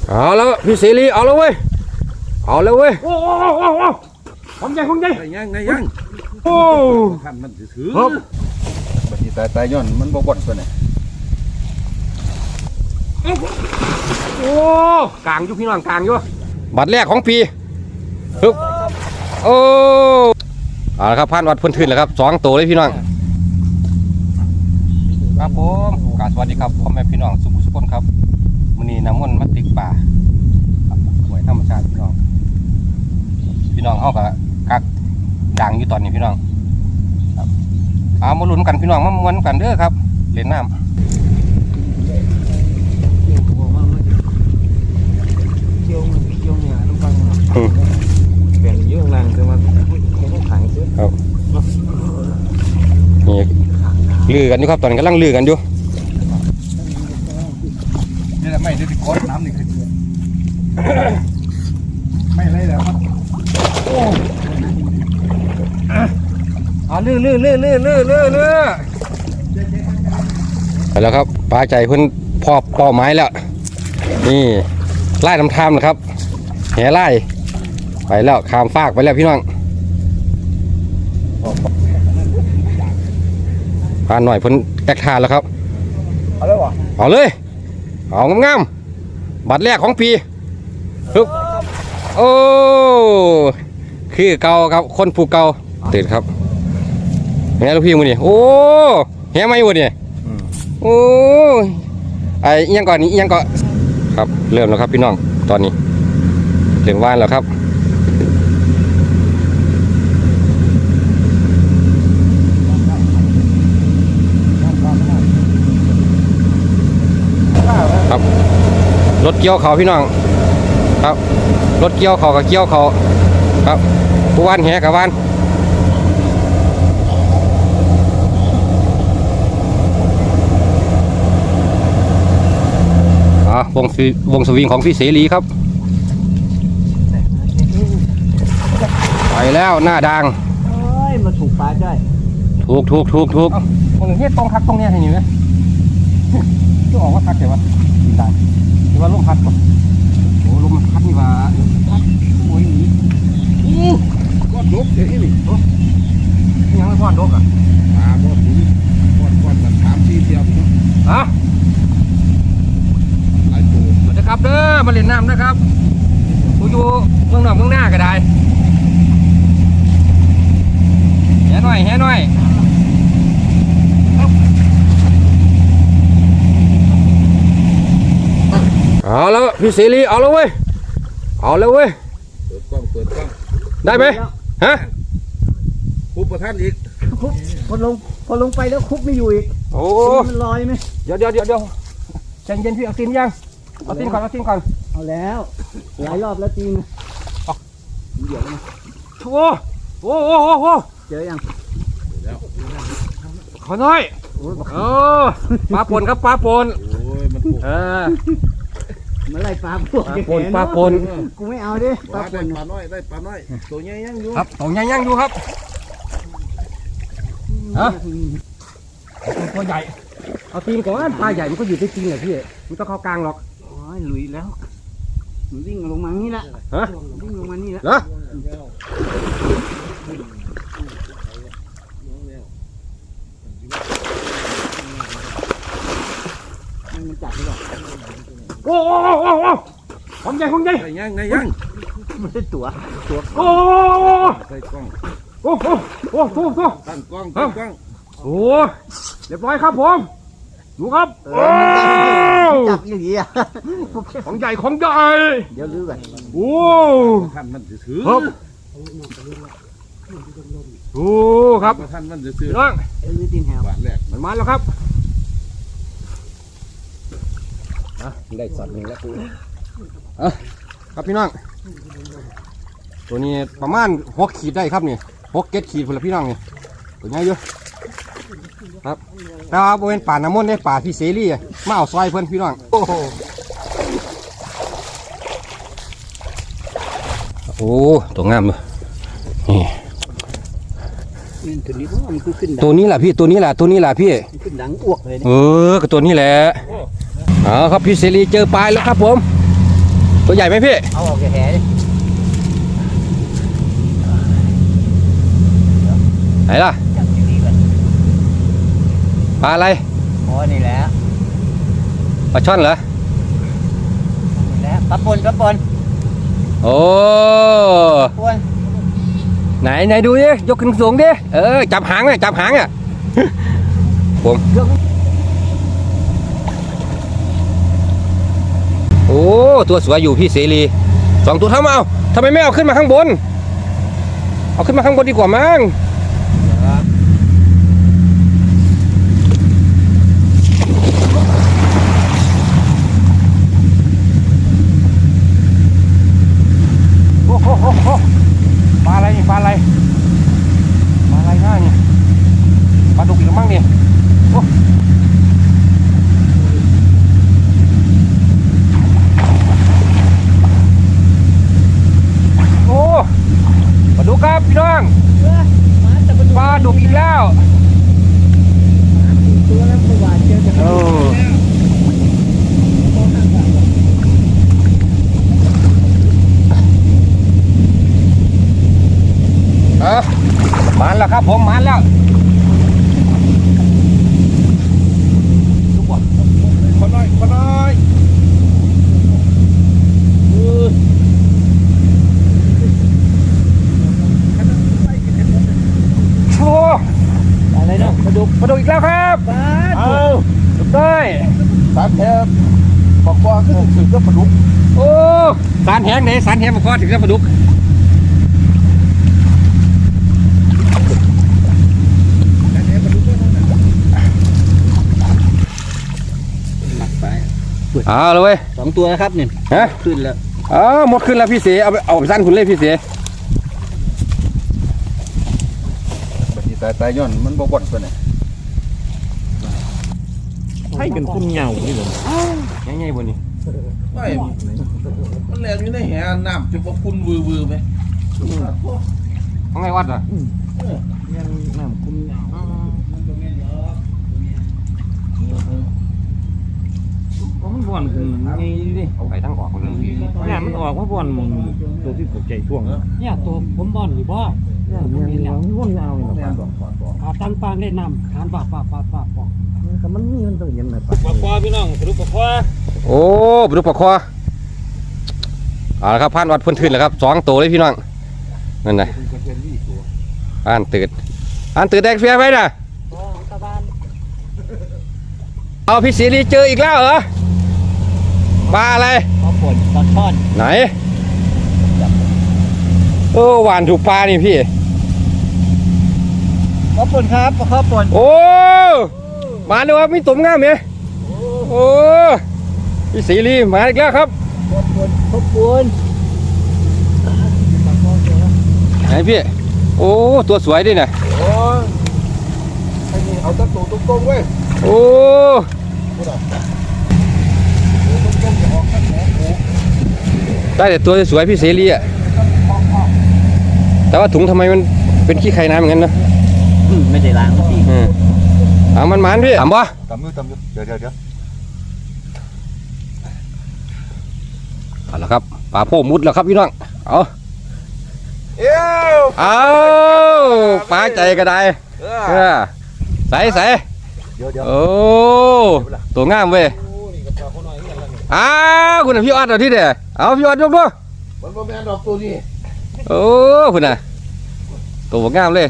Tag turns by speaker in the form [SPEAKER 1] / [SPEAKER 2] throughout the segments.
[SPEAKER 1] เอาแล้วพี่เสรีเอาแล้วเว้ยเอาแล้วเว้ย
[SPEAKER 2] โอ้ของใหญ่ยังโอ้ท่านมันถือบัดนี้ตายย้อนมันบ่บ่นตัวไหน
[SPEAKER 1] โอ้กลางอยู่พี่น้องกลางอยู่บัตรแรกของปีฮึบโอ้เอาละครับผ่านวัดพื้นทื่นแล้วครับ2 ตัวเลยพี่น้องครับผมกราบสวัสดีครับพ่อแม่พี่น้องสุขุมสุขคนครับมื้อนี้น้ำมันต์มาติกป่าหวยธรรมชาติพี่น้องเฮาก็กักดังอยู่ตอนนี้พี่น้องครับเอามาลุ้นกันพี่น้องมาม้วนกันเด้อครับเล่นน้ำ
[SPEAKER 3] เกี่ยวเนี่ยน้ำฟังเปลี่ยนเยอะนานคือมันไม่ขังซื้อ
[SPEAKER 1] ครับนี่ลือกันอยู่ครับตอนนี้กำลังลือกันอยู่
[SPEAKER 2] นี่แหละไม่ได้ติดก้อนน้ำนี่คือไม่ไรแล้วครับโอ้
[SPEAKER 1] ลือไปแล้วครับปลาใจเพิ่นพอบเป้าไม้แล้วนี่ไล่น้ำทามนะครับแห่ไล่ไปแล้วข้ามฟากไปแล้วพี่น้องพาหน่อยเพิ่นแตกทานแล้วครับ
[SPEAKER 2] เอาเลยวะ
[SPEAKER 1] เอาเลยเอางามๆบัตรแรกของปีฮึบโอ้คือเก่าครับคนผูกเก่าตื่นครับแง่ลูกพี่มือนี่โอ้แง่ไม่หมดนี่โอ้ไอ้ยังก่อนนี้ยังก่อนครับเริ่มแล้วครับพี่น้องตอนนี้เริ่มว่านแล้วครับครับรถเกี่ยวเขาพี่น้องครับรถเกี่ยวเขากับเกี่ยวเขาครับผู้ว่านแหกับว่านวงสวิงของพี่เสรีครับไปแล้วหน้าดัง
[SPEAKER 3] เฮ้ยมาถูกปลาได้
[SPEAKER 1] ถูกตรงนี้ตรงคักตรงนี้เห็นไหมจะออกว่าคักแต่ว่าดินได้หรือว่าลมพัดป่ะโอ้ลมพัดนี่ว่าพัดโอ้ยนี่
[SPEAKER 2] ก้อนลบเดี๋ยวนี้นี่
[SPEAKER 1] ยังไม่ก้อนลบอ่ะ
[SPEAKER 2] ก้อนนี้ก้อนมัน3-4เที่ยวเนาะ
[SPEAKER 1] ฮะ
[SPEAKER 2] หลายตัว
[SPEAKER 1] มาเด้อครับเด้อมาเล่นน้ำนะครับกูอยู่เมืองนอกเมืองหน้าก็ได้แห่หน่อยเอาแล้วพี่เสรีเอาแล้วเว้ย
[SPEAKER 2] เปิดกล้อง
[SPEAKER 1] ได้ไหมฮะ
[SPEAKER 2] คุบประท่านอีก
[SPEAKER 3] คุบพอลงไปแล้วคุบไม่อยู่อีก
[SPEAKER 1] โอ้
[SPEAKER 3] มันลอยไหม
[SPEAKER 1] เดี๋ยวใจเย็นพี่เอาตีนยังเอาตีนก่อน
[SPEAKER 3] เอาแล้วหลายรอบแล้วตีนเดี๋ยวนะ
[SPEAKER 1] โอ้
[SPEAKER 3] เจอยัง
[SPEAKER 1] ขอน้อยปลาปนครับปลาปน
[SPEAKER 2] โอ้ยมัน
[SPEAKER 3] เมื่อไรปลาปนกูไม่เอาดิ
[SPEAKER 2] ปลาน้อยได้ปลาน้อยตัวใหญ่ยังอยู่
[SPEAKER 1] ครับตัวใหญ่ยังอยู่ครับฮะตัวใหญ่เอาตีนก่อนปลาใหญ่มันก็อยู่ที่ตีนแหละพี่มันต้องเข้ากลางหรอก
[SPEAKER 3] โอ้ยลุยแล้วมันวิ่งลงมานี่แหละ
[SPEAKER 1] ฮะ
[SPEAKER 3] วิ่งลงมานี่แหละมันจับไม่หรอก
[SPEAKER 1] โอ้ของใหญ่
[SPEAKER 2] ยัง
[SPEAKER 3] มันเป็นตัว
[SPEAKER 1] โอ้
[SPEAKER 2] ใส่กล้อง
[SPEAKER 1] โอ้
[SPEAKER 2] ตั้งกล้อง
[SPEAKER 1] โอ้เรียบร้อยครับผมดูครับ
[SPEAKER 3] จับอย่างนี้
[SPEAKER 1] ของใหญ่
[SPEAKER 3] เดี๋ยวลื้อไป
[SPEAKER 1] โอ้
[SPEAKER 2] ท่านมันถือ
[SPEAKER 1] ครับโอ้ครับ
[SPEAKER 2] ท่านมันถือ
[SPEAKER 1] น้อง
[SPEAKER 3] ลื้อตีนแหว
[SPEAKER 2] บาทแรก
[SPEAKER 1] มันมาแล้วครับได้สัตว์หนึ่งแล้วครับพี่น้องตัวนี้ประมาณ6 ขีดได้ครับนี่6-7 ขีดพลพี่น้องนี่ตัวใหญ่เยอะครับแต่ว่าบริเวณป่าน้ำมนต์ได้ป่าพี่เสรีมาเอาซอยเพื่อนพี่น้องโอ้ตัวงามเลยตัวนี้แหละพี่ตัวนี้แหละพี่
[SPEAKER 3] ขึ้นดังอ้วกเลย
[SPEAKER 1] ก็ตัวนี้แหละเอาครับพี่เสรีเจอปลายแล้วครับผมตัวใหญ่ไหมพี่
[SPEAKER 3] เอาออกจากแหดิ
[SPEAKER 1] ไหนล่ะ
[SPEAKER 3] จับที่นี่ก่อน
[SPEAKER 1] ปลาอะไร
[SPEAKER 3] อ๋อนี่แหละ
[SPEAKER 1] ปลาช่อนเหรอ
[SPEAKER 3] นี่แหละปลาปน
[SPEAKER 1] โอ้
[SPEAKER 3] ปน
[SPEAKER 1] ไหนดูดิยกขึ้นสูงดิจับหางอ่ะจับหางอ่ะ ผมโอ้ตัวสวยอยู่พี่เสรี2 ตัวเท่ามาเอาทำไมไม่เอาขึ้นมาข้างบนเอาขึ้นมาข้างบนดีกว่ามั้งโอ้โหปลาอะไรนี่ปลาอะไรง่ายนี่ปลาดุกอีกแล้วมั้งนี่โอ้ปลาดุกครับพี่น้องปลาดุกอีกแล้ว
[SPEAKER 3] ตัวแล้วประวัติเจอจะ
[SPEAKER 1] โอ้มันแล้วครับผมมันแล้วคนน้อยโอ้
[SPEAKER 3] อะไรเนาะปลาดุก
[SPEAKER 1] ปลาดุกอีกแล้วครับ
[SPEAKER 3] ปลา
[SPEAKER 1] เอาดุกได้
[SPEAKER 2] สารแทบบอกว่าก็ถึงก็ปลาดุก
[SPEAKER 1] โอ้สารแหงไหนสารแหงมาคอถึงจะปลาดุกเอาเลยเว้ย
[SPEAKER 3] 2 ตัวนะครับเนี่ย
[SPEAKER 1] ฮะ
[SPEAKER 3] ขึ้นแล้ว
[SPEAKER 1] หมดขึ้นแล้วพี่เสเอาไปสั้นคุณเลยพี่เส
[SPEAKER 2] บัดนี้ตายย้อนมันบ่บ่นตัวไหน
[SPEAKER 3] ให้เป็นคุณเหงานี่เหรอ
[SPEAKER 1] ง่ายๆบนนี้
[SPEAKER 2] ไม่มันแรงอยู่ในแหน้ำจะบ่คุณวือไหม
[SPEAKER 1] ของไงวัดอ่ะ
[SPEAKER 3] ยังน้ำคุณเหงามันบ่อนขึ้นนี่ดิ
[SPEAKER 1] ไปทั้งออกคนเลย
[SPEAKER 3] เนี่ยมันออกว่าบ่อนมึงตัวที่ตกใจช่วง
[SPEAKER 4] เนี่ยตัวผมบอลอยู่บ่
[SPEAKER 3] เนี่ยมันว่นเอาเนี่ย
[SPEAKER 4] ขาตั้งปางได้นำขานปากบอก
[SPEAKER 3] แต่มันมีมันต้องเย็นหน่อยปะ
[SPEAKER 4] ปากคอพี่น้องสรุปปากคอ
[SPEAKER 1] โอ้ปลาดุกปลาคอเอาละครับผ่านวัดพื้นทืนแล้วครับ2 ตัวเลยพี่น้องนั่นนะผ่านตืดแดกเฟียไว้น่ะ
[SPEAKER 4] ตะบาน
[SPEAKER 1] เอาพี่ศรีเจออีกแล้วเหรอปลาอะไร
[SPEAKER 3] ปลาป่นปลาช่อน
[SPEAKER 1] ไหนหวานถูกปลานี่พี่
[SPEAKER 3] ปลาป่นครับปลาข้าวป่น
[SPEAKER 1] โอ้มาเลยว่ามีตุ่มงามเนี่ยโอ้พี่ศรีมาอีกแล้วครับ
[SPEAKER 3] ปลาป่นปลาป่น
[SPEAKER 1] ไหนพี่โอ้ตัวสวยด้วยนะ
[SPEAKER 2] โอ้ยไอ้นี่เอาตะตูตรงๆเว้ย
[SPEAKER 1] โอ้ได้แต่ตัวสวยพี่เสรีอ่ะแต่ว่าถุงทำไมมันเป็นขี้ไข่น้ำอย่างนั้นเนาะ
[SPEAKER 3] ไม่ได้ล้างพี่
[SPEAKER 1] เอามันมันพี่ถามบ่
[SPEAKER 2] ตำอยู่เดี๋ยว
[SPEAKER 1] เอาละครับปลาโพมุดแล้วครับพี่น้องเอา
[SPEAKER 2] เอ้ว
[SPEAKER 1] เอาปลาใจก็ได้ใส่
[SPEAKER 2] เดี๋ยว
[SPEAKER 1] โอ้ตัวงามเว้ยอ้าวคุณน่ะพี่ออดเอาที่เด้อเอาพี่ออดยกด้วย
[SPEAKER 2] มันบ่แม่นดอกตัวนี้
[SPEAKER 1] โอ้คุณน่ะตัวงามเลย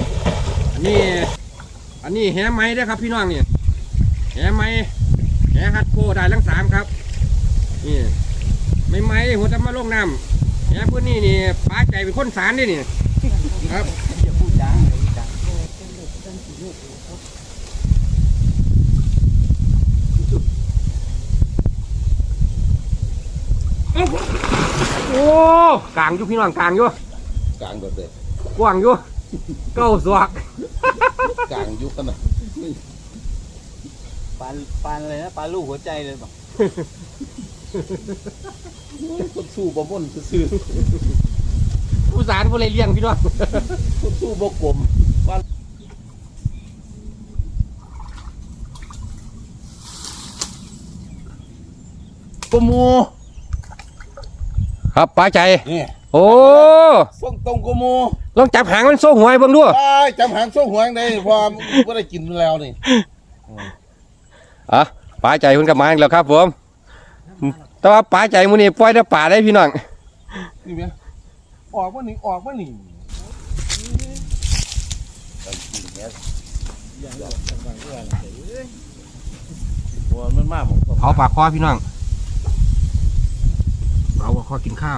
[SPEAKER 1] อันนี้แหไม้ได้ครับพี่น้องนี่แหไม้แหฮัดโคได้ทั้ง3ครับนี่ไม่ไม้หัวจะมาลงน้ำแหพื้นนี่นี่ปลาใจเป็นคนสารนี่นี่ครับ
[SPEAKER 3] อย่าพูดดัง
[SPEAKER 1] โอ้กลางอยู่พี่น้องกลางอยู่
[SPEAKER 2] กลางแบบเด็ด
[SPEAKER 1] กว้างอยู่เก้าสวก
[SPEAKER 2] กลางยุคกันนะ
[SPEAKER 3] ปลาอะไรนะปลาลูกหัวใจเลยบอก
[SPEAKER 2] คนสู้บ่ม่นซื่อ
[SPEAKER 1] ผู้สารผู้เลยเลี้ยงพี่น้อง
[SPEAKER 2] ๆคนสู้บ่กลมกมู
[SPEAKER 1] ครับปลาใจ
[SPEAKER 2] นี่
[SPEAKER 1] โอ้
[SPEAKER 2] ส่งตรงกูมู
[SPEAKER 1] ลองจับหางมันโซ่หวยเบิ่งดู
[SPEAKER 2] จำหางส่งหวงได้พอว่าได้กินแล้วนี่
[SPEAKER 1] อ่ะปลาใจคุณกับมาอีกแล้วครับผมแต่ว่าปลาใจมื้อนี้ปล่อยแต่ป่าได้พี่น้อง
[SPEAKER 2] นี่เมียออกมาหนิมันมากผม
[SPEAKER 1] เผาปากคอพี่น้องเผาปากคอกินข้าว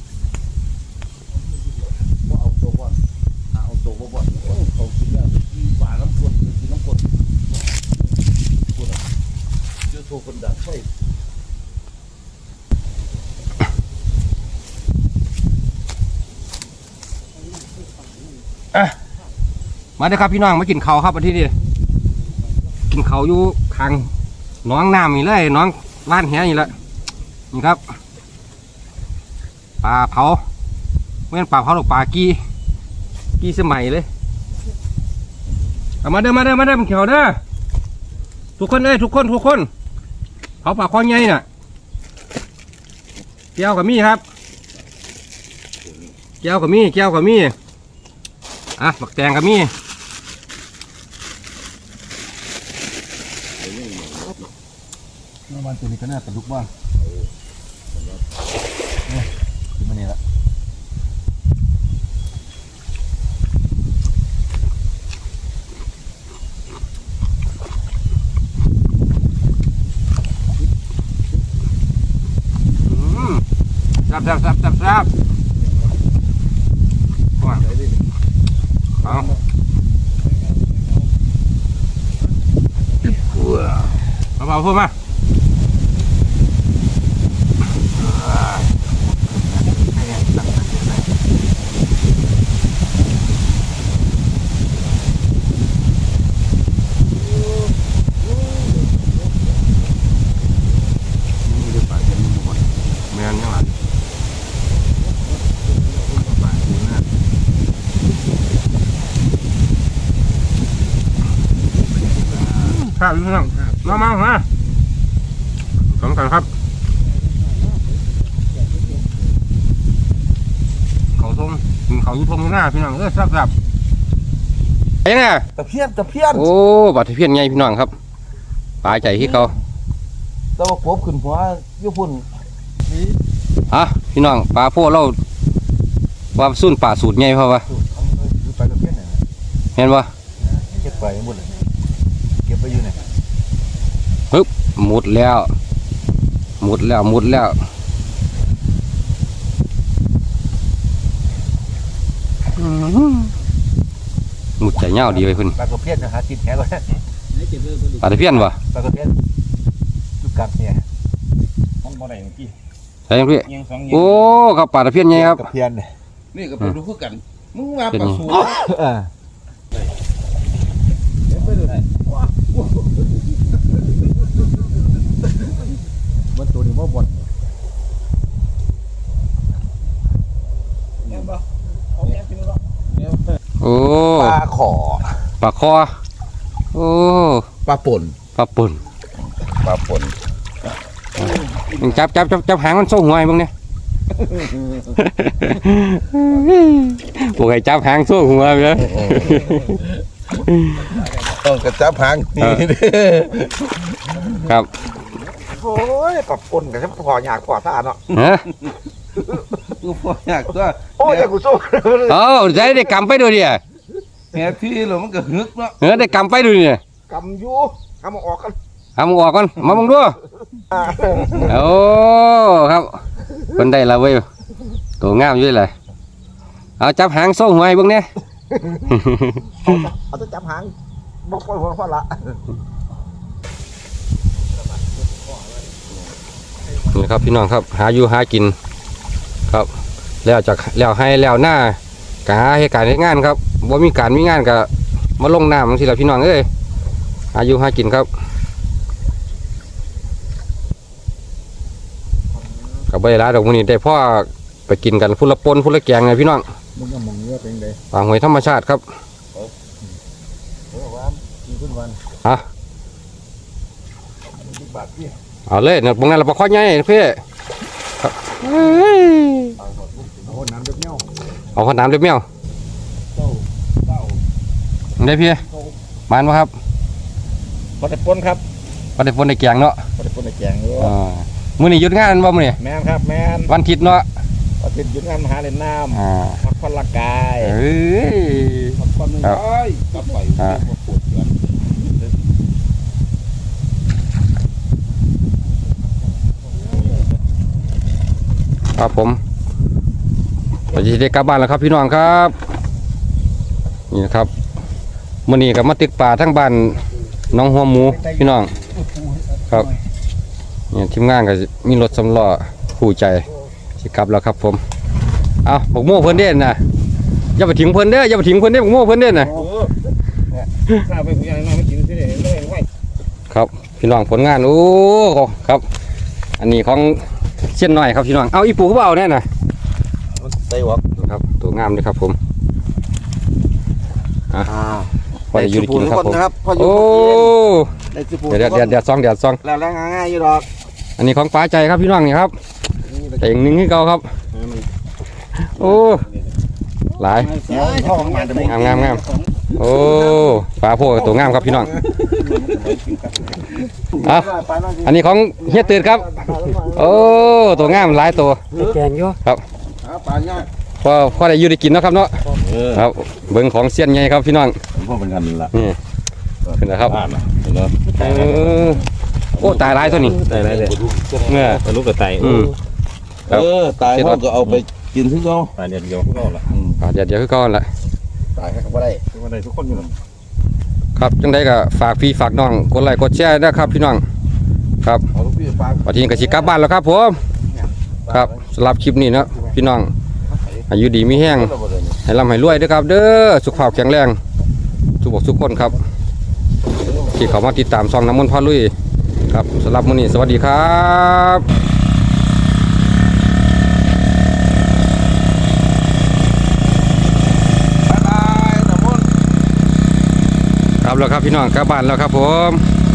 [SPEAKER 2] เอาตัวบ่อนเขากินแล้วปลาน้ำข้นกินน้ำข้นเจอโทรคนดังไฟ
[SPEAKER 1] มาเด้อครับพี่น้องมากินข้าวครับวันที่นี้กินข้าวอยู่ข้างหน้องน้ำนี่เลยหน้องบ้านแหนี่แหละนี่ครับปลาเผาไม่เป็นปลาเผาหรอกปลากีสมัยเลยเอามาเด้อมันเขียวเด้อทุกคนเลยทุกคนเผาปลาคอใหญ่น่ะแก้วกับมี่ครับแก้วกับมี่อ่ะบักแตงกับมี่
[SPEAKER 2] มันตัวนี้ก็น่าตลุกบ้างกินมาเนี่ยละ
[SPEAKER 1] แซ่บเอาเบาๆพูดมาแมนยังไงครับพี่น้องมาฮะสำคัญครับเขาทงเขาอยู่ทงหน้าพี่น้องแซ่บยังไง
[SPEAKER 2] ตะเพียน
[SPEAKER 1] โอ้บาดตะเพียนไงพี่น้องครับปลาใจที่เขา
[SPEAKER 2] แต่ว่าปบขึ้นหัวญี่ปุ่น
[SPEAKER 1] อ่ะพี่น้องปลาพวกเราว่าสุ่นป่าสูตรไงเพราะว่า
[SPEAKER 2] ไปตะเพียนเนี่ย
[SPEAKER 1] เห็นปะ
[SPEAKER 2] เก็บไปหมดเลยเก็บไปอยู่ไหน
[SPEAKER 1] ปึ๊บหมดแล้วหมดแล้วหมุดใจเงาดีไปเพิ่น
[SPEAKER 2] ปลาตะเพียนนะฮะกินแหก่อน
[SPEAKER 1] ปลาตะเพียนวะ
[SPEAKER 2] ปลาตะเพียนจุดกัดเนี่ย
[SPEAKER 3] มันบ่ได้เมื่อกี้
[SPEAKER 1] ใช่ยังพี่
[SPEAKER 3] ยังสอง
[SPEAKER 1] โอ้ครับปลาตะเพียนไงครับ
[SPEAKER 2] ตะเพียนเนี่ย
[SPEAKER 5] นี่ก็เป็นรู้คือกัน มึงมาปลาสู
[SPEAKER 2] มันตัวนี้มันบ่น
[SPEAKER 1] โอ้
[SPEAKER 2] ปลาขอ
[SPEAKER 1] ปลาคอโอ้
[SPEAKER 2] ปลาป่น
[SPEAKER 1] ปลาปุ่น จับหางมันโซ่หัวไอ้บ้างเนี่ย พวกไอ้จับหางโซ่หัวไปแล้ว
[SPEAKER 2] ต้องกระจับหางนี่
[SPEAKER 1] ครับ
[SPEAKER 2] โอ้ยปลาป่นกับฉันพออยากพอท่าเนาะ
[SPEAKER 1] ฮะ
[SPEAKER 5] กูพออยากตัว
[SPEAKER 2] โอ้ยกูสู้
[SPEAKER 1] เอาได้กำไปดูดิ
[SPEAKER 5] แหที่หรอมันก็ฮึกเนาะ
[SPEAKER 1] ได้กำไปดูดิ
[SPEAKER 2] กำอยู่ทำออกกัน
[SPEAKER 1] เอามึงออกก่อนมามึงดูโอ้ครับคนได้ละเว้ยตัวงามอยู่เลยเอาจับหางโซ่หัวไอ้บ้างเนี่ย
[SPEAKER 2] เอาต้องจับหางบอกปล่อยหัวพอละ
[SPEAKER 1] นี่ครับพี่น้องครับหาอยู่หากินครับแล้วจากแล้วให้แล้วหน้ากหาเหตุการณ์งานครับว่ามีการมีงานกับมาลงน้ำบางทีละพี่น้องเอ้ยหาอยู่หากินครับกับใบลาดอกมันนี่ได้พ่อไปกินกันพุ่นละปนพุ่นละแกงไงพี่น้อง
[SPEAKER 2] มึงก็มองเนื้อเป็นไง
[SPEAKER 1] ปลาหอยธรรมชาติครับ
[SPEAKER 2] ว่ากินขึ้นวัน
[SPEAKER 1] ฮะ
[SPEAKER 2] บาทพี่
[SPEAKER 1] เอาเลยเนี่ยตรงนั้นเราปลาข้อใหญ่พี่
[SPEAKER 2] โเอาน้ำเดือดเนี้ย
[SPEAKER 1] เอาขวดน้ำเรียบเมียวได้พี่มานวะครับ
[SPEAKER 3] พอได้ปนครับ
[SPEAKER 1] ก็ได้ฝนได้แกงเนาะ
[SPEAKER 3] พอได้ปนได้แกงอยู่
[SPEAKER 1] มื้อนี้หยุดงานบ่มื้อนี้
[SPEAKER 3] แม่นครับแม่น
[SPEAKER 1] วันอาทิตย์เนาะ
[SPEAKER 3] อาทิตย์หยุดงานมาหาเล่นน้
[SPEAKER 1] อ่า
[SPEAKER 3] ำพักผ่อนร่างกาย
[SPEAKER 1] เอ้ย
[SPEAKER 2] ความนึง
[SPEAKER 1] ครับ
[SPEAKER 2] ได้กลับไป
[SPEAKER 1] อ่า
[SPEAKER 2] ปวดเกิน
[SPEAKER 1] ครับผมเราจะได้กลับบ้านแล้วครับพี่น้องครับนี่นะครับมื้อนี้ก็มาตึกป่าทั้งบ้านน้องหัวหมูพี่น้องครับนี่ทีมงานก็มีรถสำล้อคู่ใจสิกลับแล้วครับผมเอาบักโม่เพิ่นเด่นนะอย่าไปทิ้งเพิ่นเด้ออย่าไปทิ้งเพิ่นเด้อบักโม่เพิ่นเด่นนะ
[SPEAKER 3] ข้าวไปผู้ใหญ่น้อยไม่กินสิเด้ไม่ไหว
[SPEAKER 1] ครับพี่น้องผลงานโอ้ครับ อันนี้ของเส้นหน่อยครับพี่น้องเอาอีปูก็เอาแน่น่ะ
[SPEAKER 3] ไต้หวัน
[SPEAKER 1] ครับตัวงามเลยครับผมพอได้อยู่ได้กินครับผม
[SPEAKER 3] พออยู่
[SPEAKER 1] โอ้
[SPEAKER 3] ได้สิปู
[SPEAKER 1] เดี๋ยวซอง
[SPEAKER 3] แล้วง่ายๆอยู่ดอก
[SPEAKER 1] อันนี้ของป้าใจครับพี่น้องนี่ครับแต่อีกหนึ่งให้เก่าครับโอ้หลายงามโอ้ปลาโพกตัวงามครับพี่น้องเอาอันนี้ของเฮียตื่นครับโอ้ตัวงามหลายตัว
[SPEAKER 4] ได้แกงอยู่
[SPEAKER 2] ปลาเนี่ย
[SPEAKER 1] พอได้อยู่ได้กินเนาะครับเนาะครับเบิ่งของเสี้ยนไงครับพี่น้อง
[SPEAKER 2] พ่อเป็นกันละ
[SPEAKER 1] นี่ขึ้นแล้วครับ
[SPEAKER 2] บ้านนะเนาะ
[SPEAKER 1] โอ้ตายหลายตัวนี้
[SPEAKER 3] ได้ไรเลย
[SPEAKER 1] เนี่ย
[SPEAKER 3] ลูกกระต่าย
[SPEAKER 1] ครับ
[SPEAKER 2] ตายเขาก็เอาไปกินทุกเขา
[SPEAKER 3] ตายเดียวพวกเราละ
[SPEAKER 1] เดี๋ยวคือก่อนละ
[SPEAKER 2] ตายเขาก็ได้
[SPEAKER 3] ทุกคนได้ทุกคนอยู่แล้ว
[SPEAKER 1] ครับจังได้ก็ฝากพี่ฝากน้องกดไลค์กดแชร์นะครับพี่น้องครับ
[SPEAKER 2] เอาลูกพี่ปลา
[SPEAKER 1] วันนี้ก็สิกลับบ้านแล้วครับผมครับสำหรับคลิปนี้เนาะพี่น้องอายุดีมีแห้งให้ร่ำให้รวยด้วยครับ เด้อสุขภาพแข็งแรงทุกบกทุกคนครับ ที่เขามาติดตามซองน้ำมันต์พ่อลุยครับสำหรับมื้อนี้สวัสดีครับครับแล้วครับพี่น้องกลับบ้านแล้วครับผม